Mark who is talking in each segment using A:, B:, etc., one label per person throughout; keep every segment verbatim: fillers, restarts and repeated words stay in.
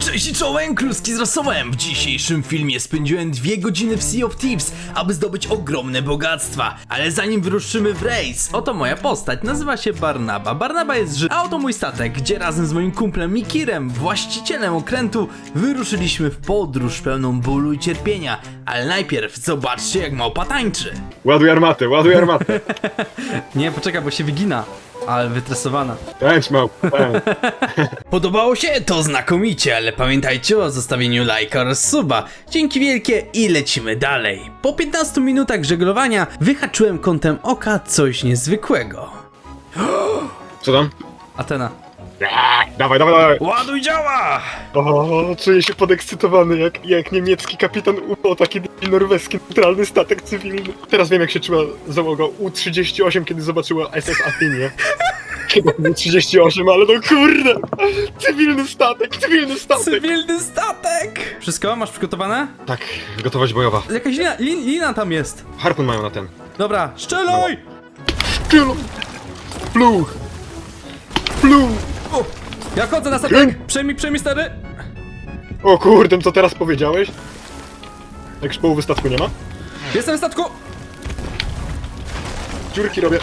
A: Cześć i czołem, kluski z rosołem! W dzisiejszym filmie spędziłem dwie godziny w Sea of Thieves, aby zdobyć ogromne bogactwa. Ale zanim wyruszymy w rejs, oto moja postać, nazywa się Barnaba. Barnaba jest Żyd, a oto mój statek, gdzie razem z moim kumplem Mikirem, właścicielem okrętu, wyruszyliśmy w podróż pełną bólu i cierpienia. Ale najpierw zobaczcie, jak małpa tańczy.
B: Ładuj armatę, ładuj armatę.
A: Nie, poczekaj, bo się wygina. Ale wytresowana.
B: Tańcz małpa, tańcz.
A: Podobało się? To znakomicie, ale pamiętajcie o zostawieniu lajka oraz suba. Dzięki wielkie i lecimy dalej. Po piętnastu minutach żeglowania wyhaczyłem kątem oka coś niezwykłego.
B: Co tam?
A: Atena.
B: Aaa, dawaj, dawaj, dawaj.
A: Ładuj działa!
B: O, czuję się podekscytowany, jak, jak niemiecki kapitan U P O, taki norweski neutralny statek cywilny. Teraz wiem, jak się czuła załoga U trzydzieści osiem, kiedy zobaczyła S S Athenie. Chyba U trzydzieści osiem, ale no kurde! Cywilny statek, cywilny statek!
A: Cywilny statek! Wszystko? Masz przygotowane?
B: Tak, gotowość bojowa.
A: Jakaś lina, lin, lina tam jest.
B: Harpun mają na ten.
A: Dobra, strzelaj!
B: Kill! Pluch! Pluch!
A: O, ja chodzę na statek! Przejmij, przejmij stary!
B: O kurde, co teraz powiedziałeś? Jak już połowy statku nie ma?
A: Jestem w statku!
B: Dziurki robię.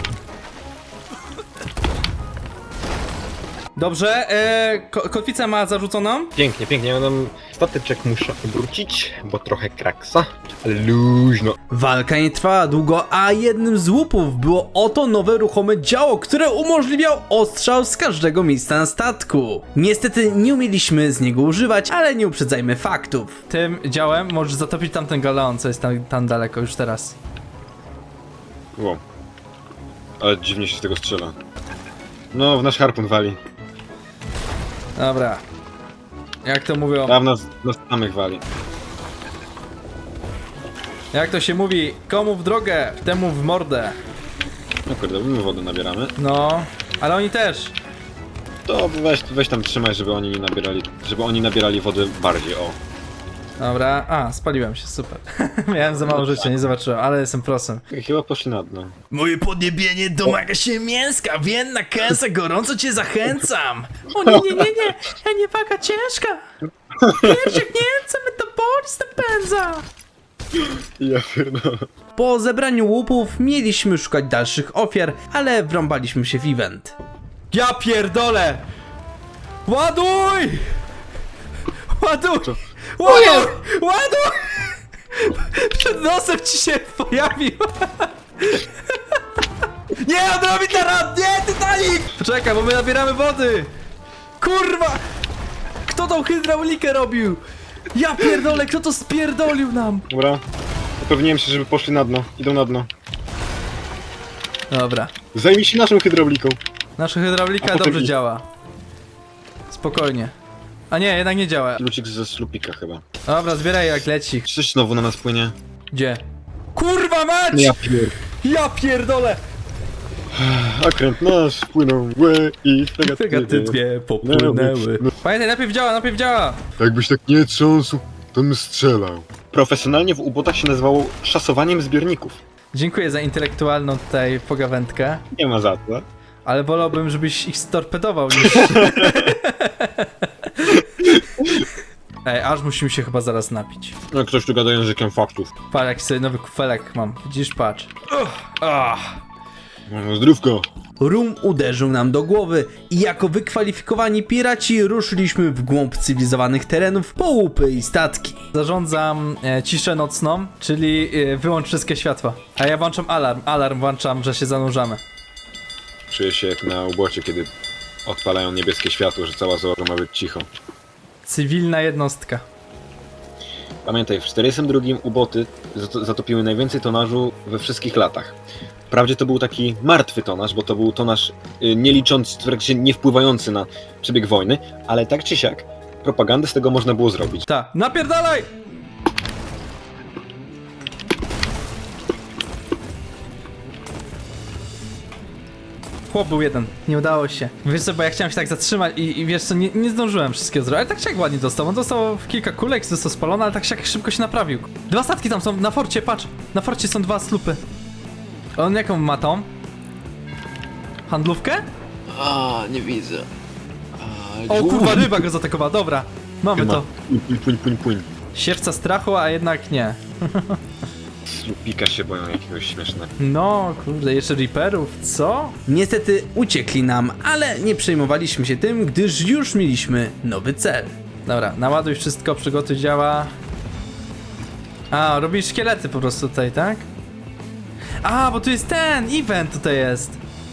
A: Dobrze, e, ko kotwicę ma zarzuconą.
B: Pięknie, pięknie. Ja tam stateczek muszę obrócić, bo trochę kraksa, ale luźno.
A: Walka nie trwała długo, a jednym z łupów było oto nowe ruchome działo, które umożliwiał ostrzał z każdego miejsca na statku. Niestety nie umieliśmy z niego używać, ale nie uprzedzajmy faktów. Tym działem możesz zatopić tamten galeon, co jest tam, tam daleko już teraz.
B: Wow. Ale dziwnie się z tego strzela. No, w nasz harpun wali.
A: Dobra. Jak to mówią?
B: A w nas, nas samych wali.
A: Jak to się mówi? Komu w drogę, temu w mordę.
B: No kurde, my wodę nabieramy.
A: No, ale oni też.
B: To weź, weź tam trzymaj, żeby oni nie nabierali, żeby oni nabierali wody bardziej, o.
A: Dobra, a, spaliłem się, super. Miałem za mało życia, nie zobaczyłem, ale jestem prosem.
B: Chyba poszli na dno.
A: Moje podniebienie domaga się mięska, więna kęsa, gorąco cię zachęcam. O nie, nie, nie, nie, ja nie waga ciężka. Piersiak Niemca, metabolizm napędza.
B: Ja pierdolę.
A: Po zebraniu łupów mieliśmy szukać dalszych ofiar, ale wrąbaliśmy się w event. Ja pierdolę! Ładuj! Ładuj! Ładuj! Ładuj! Przed nosem ci się pojawił! Nie, on robi teraz! Nie, Titanic! Poczekaj, bo my nabieramy wody! Kurwa! Kto tą hydraulikę robił? Ja pierdolę, kto to spierdolił nam?
B: Dobra. Upewniłem się, żeby poszli na dno. Idą na dno.
A: Dobra.
B: Zajmij się naszą hydrauliką.
A: Nasza hydraulika
B: A potem
A: dobrze
B: ich.
A: działa. Spokojnie. A nie, jednak nie działa.
B: Lucik ze slupika chyba.
A: Dobra, zbieraj jak leci.
B: Coś znowu na nas płynie.
A: Gdzie? Kurwa mać!
B: Ja pier...
A: Ja pierdolę!
B: Okręt nasz płynął mgłę i fregaty
A: Fregaty dwie popłynęły. Pamiętaj, najpierw działa, najpierw działa!
B: Jakbyś tak nie trząsł, to bym strzelał. Profesjonalnie w ubotach się nazywało szasowaniem zbiorników.
A: Dziękuję za intelektualną tutaj pogawędkę,
B: Nie ma za to.
A: ale wolałbym, żebyś ich storpedował niż... Ej, aż musimy się chyba zaraz napić.
B: No ktoś tu gada językiem faktów.
A: Patrz, jaki sobie nowy kufelek mam. Widzisz, patrz. Uch, ah.
B: No, zdrówko.
A: Rum uderzył nam do głowy i jako wykwalifikowani piraci ruszyliśmy w głąb cywilizowanych terenów po łupy i statki. Zarządzam e, ciszę nocną, czyli e, wyłącz wszystkie światła. A ja włączam alarm. Alarm włączam, że się zanurzamy.
B: Czuję się jak na ubocie, kiedy odpalają niebieskie światło, że cała załoga ma być cicho.
A: Cywilna jednostka.
B: Pamiętaj, w czterdziestym drugim uboty zato- zatopiły najwięcej tonażu we wszystkich latach. Wprawdzie to był taki martwy tonaż, bo to był tonaż y, nie licząc, w trakcie nie wpływający na przebieg wojny, ale tak czy siak propagandę z tego można było zrobić.
A: Ta, napierdalaj! Chłop był jeden, nie udało się. Wiesz co, bo ja chciałem się tak zatrzymać i, i wiesz co, nie, nie zdążyłem wszystkiego zrobić, ale tak się jak ładnie dostał. On dostał w kilka kulek, został spalony, ale tak się jak szybko się naprawił. Dwa statki tam są, na forcie, patrz. Na forcie są dwa slupy. On jaką ma tą? Handlówkę?
C: A, nie widzę. A,
A: O kurwa, ryba go zaatakowała, dobra. Mamy
B: Chyba.
A: to.
B: Płyń, płyń, płyń, płyń.
A: Siewca strachu, a jednak nie.
B: Slupika się boją jakiegoś śmiesznego.
A: No, kurde, jeszcze Reaperów, co? Niestety uciekli nam, ale nie przejmowaliśmy się tym, gdyż już mieliśmy nowy cel. Dobra, naładuj wszystko, przygotuj działa. A, robisz szkielety po prostu tutaj, tak? A, bo tu jest ten event tutaj jest.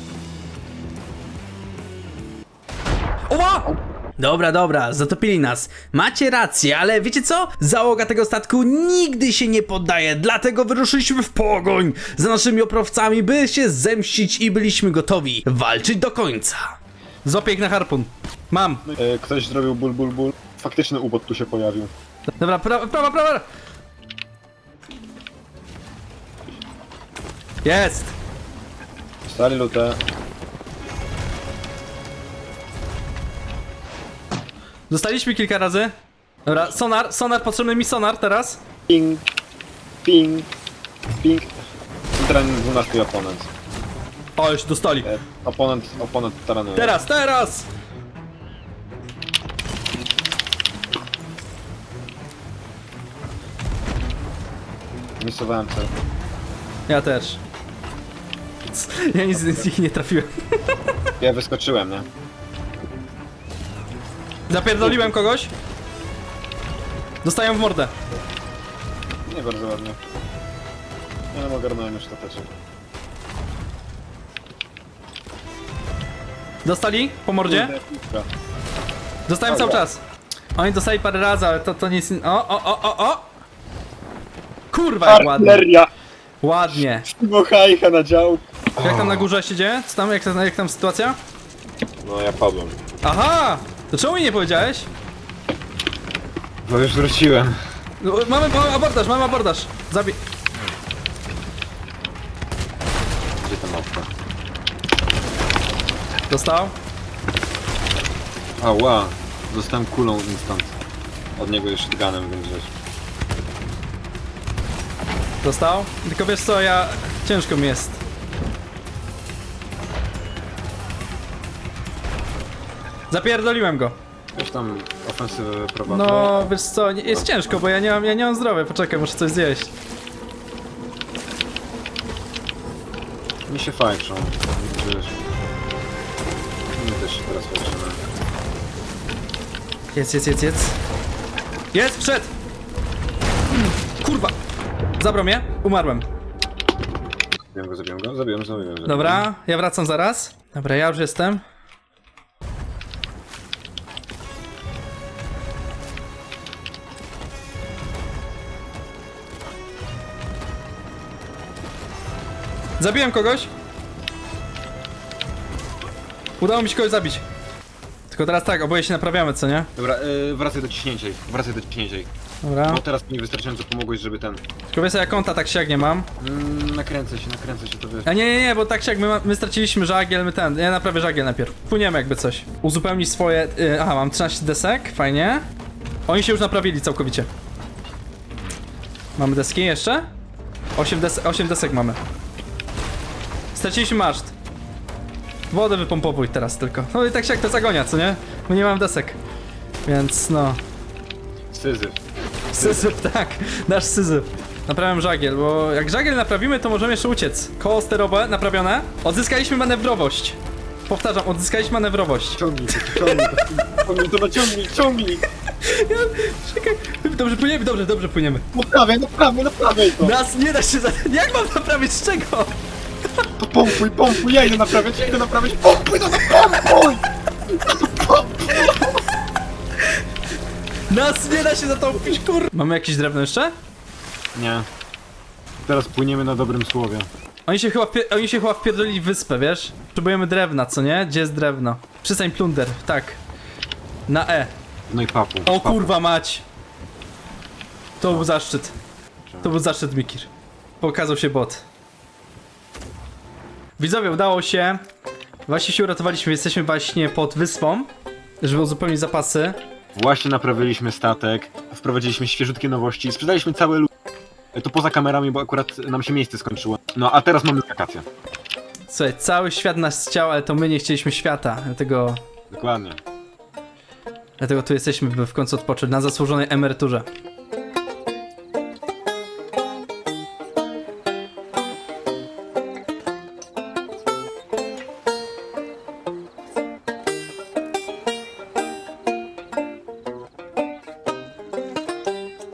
A: Oła! Dobra, dobra, zatopili nas. Macie rację, ale wiecie co? Załoga tego statku nigdy się nie poddaje, dlatego wyruszyliśmy w pogoń za naszymi oprowcami, by się zemścić i byliśmy gotowi walczyć do końca. Złapię ich na harpun. Mam.
B: E, ktoś zrobił ból, ból, ból. Faktyczny ubot tu się pojawił.
A: Dobra, prawa, prawa, prawa. Jest.
B: Stali lutę.
A: Dostaliśmy kilka razy. Dobra, sonar, sonar, potrzebny mi sonar teraz.
B: Ping, ping, ping. Centralny dwunasty oponent.
A: O, już dostali.
B: E, oponent, oponent taranuje.
A: Teraz, teraz!
B: Misowałem cel.
A: Ja też. C- Ja nic z nich nie trafiłem.
B: Ja wyskoczyłem, nie?
A: Zapierdoliłem kogoś. Dostaję w mordę.
B: Nie bardzo ładnie. Nie no, ogarnąłem już ostatecznie.
A: Dostali po mordzie.
B: Kurde, piłka.
A: Dostałem cały
B: Dobra.
A: czas. Oni dostali parę razy, ale to, to nic... O, o, o, o, o! Kurwa, jak ładnie.
B: Artyleria!
A: Ładnie.
B: Mochajcha na dział.
A: Jak tam na górze się dzieje? Co tam, jak, jak tam sytuacja?
B: No ja padłem.
A: Aha! To czemu mi nie powiedziałeś?
B: Bo już wróciłem.
A: No, mamy, mamy abordaż, mamy abordaż. Zabij...
B: Gdzie ta mapka?
A: Dostał.
B: Ała, zostałem kulą instant. Od niego już shotgunem, więc wiesz.
A: Dostał. Tylko wiesz co, ja... Ciężko mi jest. Zapierdoliłem go.
B: Już tam ofensywę prowadzę.
A: No, wiesz co, nie- jest ciężko, bo ja nie mam, ja nie mam zdrowia. Poczekaj, muszę coś zjeść.
B: Mi się fajczą. Wiesz. Mi też się teraz fajczymy.
A: Jedz, jedz, jedz, jedz. Jest, wszedł! Mm, Kurwa! Zabrał mnie, umarłem.
B: Zabiłem go, zabiłem go, zabiłem, zabiłem. zabiłem.
A: Dobra, ja wracam zaraz. Dobra, ja już jestem. Zabiłem kogoś. Udało mi się kogoś zabić. Tylko teraz tak, oboje się naprawiamy, co nie?
B: Dobra, yy, wracaj do ciśnięcia ich, wracaj do ciśnięcia ich.
A: Dobra.
B: Bo teraz mi wystarczająco pomogłeś, żeby ten...
A: Tylko wiesz, ja konta tak siak nie mam.
B: Mm, nakręcę się, nakręcę się, to wiesz.
A: A nie, nie, nie, bo tak siak, my, ma- my straciliśmy żagiel, my ten, ja naprawię żagiel najpierw. Płyniemy jakby coś. Uzupełnić swoje, y, aha, mam trzynaście desek, fajnie. Oni się już naprawili całkowicie. Mamy deski jeszcze? osiem, des osiem desek mamy. Straciliśmy maszt. Wodę wypompowuj teraz tylko. No i tak siak to zagonia, co nie? Bo nie mam desek. Więc no.
B: Syzyf.
A: Syzyf, tak, nasz syzyf. Naprawiam żagiel, bo jak żagiel naprawimy, to możemy jeszcze uciec. Koło sterowe naprawione. Odzyskaliśmy manewrowość. Powtarzam, odzyskaliśmy manewrowość.
B: Ciągnij to, ciągnij to, ciągnij to, naciągnij, ciągnij!
A: Czekaj, dobrze płyniemy, dobrze, dobrze płyniemy.
B: Naprawiaj, naprawiaj, naprawiaj to!
A: Nas nie da się za... Jak mam naprawić z czego?
B: To pompuj, pompuj, ja idę naprawiać, ja idę naprawiać, pompuj, no to pompuj!
A: Nas nie da się zatopić, kur... Mamy jakieś drewno jeszcze?
B: Nie. Teraz płyniemy na dobrym słowie.
A: Oni się chyba, wpie... Oni się chyba wpierdolili w wyspę, wiesz? Potrzebujemy drewna, co nie? Gdzie jest drewno? Przystań plunder, tak. Na E.
B: No i papu.
A: O
B: papu.
A: kurwa mać! To był zaszczyt. To był zaszczyt, Mikir. Pokazał się bot. Widzowie, udało się. Właśnie się uratowaliśmy, jesteśmy właśnie pod wyspą, żeby uzupełnić zapasy.
B: Właśnie naprawiliśmy statek, wprowadziliśmy świeżutkie nowości, sprzedaliśmy całe lu... To poza kamerami, bo akurat nam się miejsce skończyło. No a teraz mamy wakacje.
A: Słuchaj, cały świat nas chciał, ale to my nie chcieliśmy świata, dlatego...
B: Dokładnie.
A: Dlatego tu jesteśmy, by w końcu odpocząć na zasłużonej emeryturze.